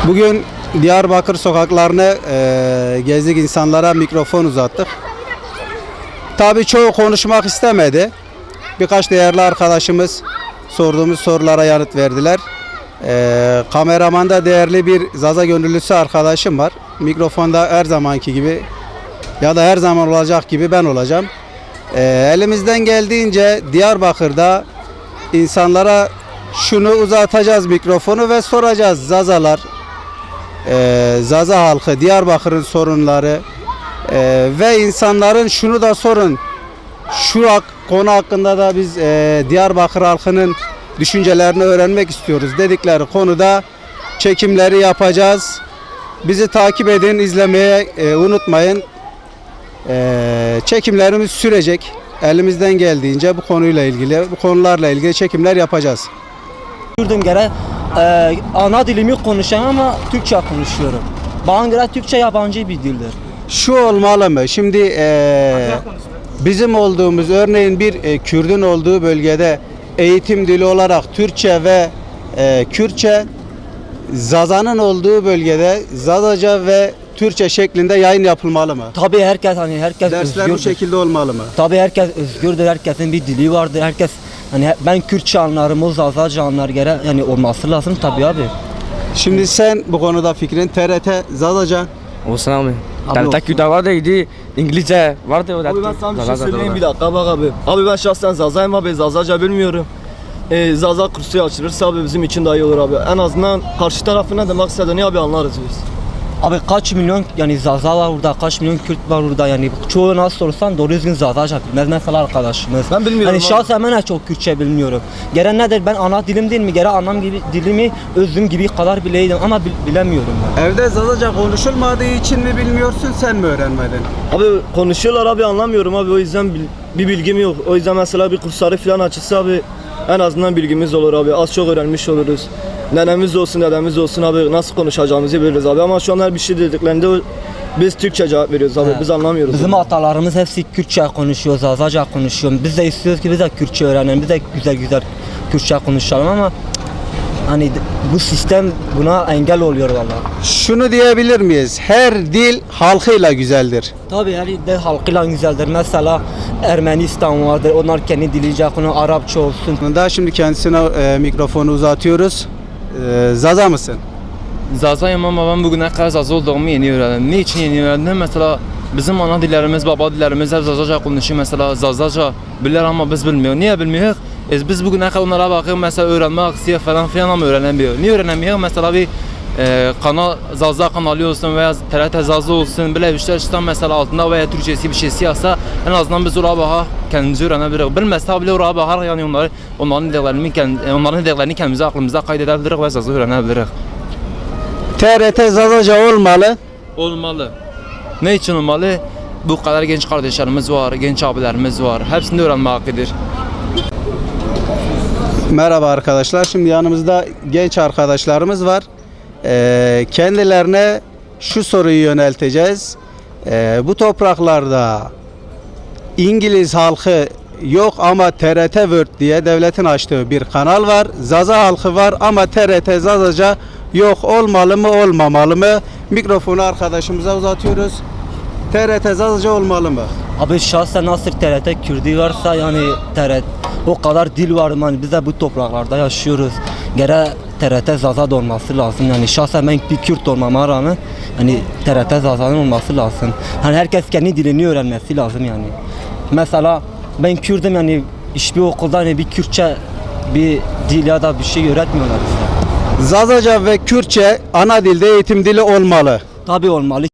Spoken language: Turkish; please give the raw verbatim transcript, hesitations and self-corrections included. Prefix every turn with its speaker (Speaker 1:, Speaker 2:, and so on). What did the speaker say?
Speaker 1: Bugün Diyarbakır sokaklarını e, gezdik, insanlara mikrofon uzattık. Tabii çoğu konuşmak istemedi. Birkaç değerli arkadaşımız sorduğumuz sorulara yanıt verdiler. E, kameramanda değerli bir Zaza gönüllüsü arkadaşım var. Mikrofonda her zamanki gibi ya da her zaman olacak gibi ben olacağım. E, elimizden geldiğince Diyarbakır'da insanlara şunu uzatacağız mikrofonu ve soracağız. Zazalar, e, Zaza halkı, Diyarbakır'ın sorunları e, ve insanların şunu da sorun. Şu hak, konu hakkında da biz e, Diyarbakır halkının düşüncelerini öğrenmek istiyoruz dedikleri konuda çekimleri yapacağız. Bizi takip edin, izlemeye e, unutmayın. E, çekimlerimiz sürecek. Elimizden geldiğince bu konuyla ilgili, bu konularla ilgili çekimler yapacağız.
Speaker 2: Gördüğüm göre e, ana dilimi konuşan ama Türkçe konuşuyorum. Bana göre Türkçe yabancı bir dildir.
Speaker 1: Şu olmalı mı? Şimdi e, bizim olduğumuz, örneğin bir e, Kürdün olduğu bölgede eğitim dili olarak Türkçe ve e, Kürtçe, Zaza'nın olduğu bölgede Zazaca ve Türkçe şeklinde yayın yapılmalı mı?
Speaker 2: Tabii herkes hani herkes
Speaker 1: Dersler
Speaker 2: özgürdür.
Speaker 1: bu şekilde olmalı mı?
Speaker 2: Tabii herkes özgürdür. Herkesin bir dili vardır. Herkes hani ben Kürtçe anlarım, o Zazaca anlar göre yani olması lazım tabii abi.
Speaker 1: Şimdi sen bu konuda fikrin T R T Zazaca.
Speaker 3: Olsun abi.
Speaker 1: Abi
Speaker 3: Tabii
Speaker 1: olsun.
Speaker 3: Tekü'de vardı, İngilizce vardı. O da
Speaker 4: Abi ben sana bir şey
Speaker 3: Zaza da
Speaker 4: söyleyeyim
Speaker 3: var.
Speaker 4: bir dakika bak abi. Abi ben şahsen Zaza'yım abi, Zazaca bilmiyorum. Ee, Zaza kursu açılırsa abi bizim için daha iyi olur abi. En azından karşı tarafı ne demek istediğini abi anlarız biz.
Speaker 2: Abi kaç milyon yani Zaza var burada, kaç milyon Kürt var burada yani çoğu nasıl sorsan doğru düzgün Zazaca bilmez mesela arkadaşımız.
Speaker 4: Ben bilmiyorum
Speaker 2: Hani
Speaker 4: abi.
Speaker 2: şahsen ben de çok Kürtçe bilmiyorum. Gene nedir ben ana dilim değil mi? Gene anam gibi dilimi özüm gibi kadar bileydim ama bil, bilemiyorum ben.
Speaker 1: Evde Zazaca konuşulmadığı için mi bilmiyorsun, sen mi öğrenmedin?
Speaker 4: Abi konuşuyorlar abi, anlamıyorum abi, o yüzden bil- bir bilgim yok. O yüzden mesela bir kursları falan açılsa abi en azından bilgimiz olur abi. Az çok öğrenmiş oluruz. Nenemiz olsun, dedemiz olsun abi, nasıl konuşacağımızı biliriz abi. Ama şu an her bir şey dediklerinde o- biz Türkçe cevap veriyoruz abi.
Speaker 2: He.
Speaker 4: Biz anlamıyoruz.
Speaker 2: Bizim
Speaker 4: abi.
Speaker 2: atalarımız hepsi Kürtçe konuşuyor, Zazaca konuşuyor. Biz de istiyoruz ki biz de Kürtçe öğrenelim, biz de güzel güzel Kürtçe konuşalım ama hani bu sistem buna engel oluyor vallahi.
Speaker 1: Şunu diyebilir miyiz? Her dil halkıyla güzeldir.
Speaker 2: Tabii her de halkıyla güzeldir. Mesela Ermenistan vardır, onlar kendi diliyle konu Arapça olsun.
Speaker 1: Daha şimdi kendisine e, mikrofonu uzatıyoruz. E, Zaza mısın?
Speaker 3: Zaza'yım ama ben bugüne kadar Zaza olduğumu yeni öğrendim. Ne için yeni öğrendim? Mesela bizim ana dillerimiz, baba dillerimiz hep Zazaca konuşuyor. Mesela Zazaca bilir ama biz bilmiyoruz. Niye bilmiyoruz? E biz bugüne kadar onlara bakıyoruz mesela öğrenmek istiyor falan filan ama öğrenemiyor. Niye öğrenemiyor? Mesela bir e, kanal, Zaza kanalı olsun veya T R T Zaza olsun böyle bir şey çıkan mesela altında veya Türkçesi bir şeysi yazsa en azından biz oraya bakar kendimizi öğrenebiliriz. Bilmezse bile oraya bakar yani onları, onların dediklerini, kendi, onların dediklerini kendimize aklımıza kaydedebiliriz ve Zaza öğrenebiliriz.
Speaker 1: T R T Zazaca olmalı.
Speaker 3: Olmalı. Ne için olmalı? Bu kadar genç kardeşlerimiz var, genç abilerimiz var. Hepsini öğrenmek hakkıdır.
Speaker 1: Merhaba arkadaşlar. Şimdi yanımızda genç arkadaşlarımız var. Ee, kendilerine şu soruyu yönelteceğiz. Ee, bu topraklarda İngiliz halkı yok ama T R T World diye devletin açtığı bir kanal var. Zaza halkı var ama T R T Zazaca yok. Olmalı mı, olmamalı mı? Mikrofonu arkadaşımıza uzatıyoruz. T R T Zazaca olmalı mı?
Speaker 2: Abi şahsen nasıl T R T Kürdi varsa yani T R T o kadar dil var yani biz de bu topraklarda yaşıyoruz. Gene T R T Zaza da olması lazım yani şahsen ben bir Kürt olmama rağmen hani T R T Zaza'nın olması lazım. Hani herkes kendi dilini öğrenmesi lazım yani. Mesela ben Kürdüm yani hiçbir okulda hani bir Kürtçe bir dil ya da bir şey öğretmiyorlar bize.
Speaker 1: Zazaca ve Kürtçe ana dilde eğitim dili olmalı.
Speaker 2: Tabii olmalı.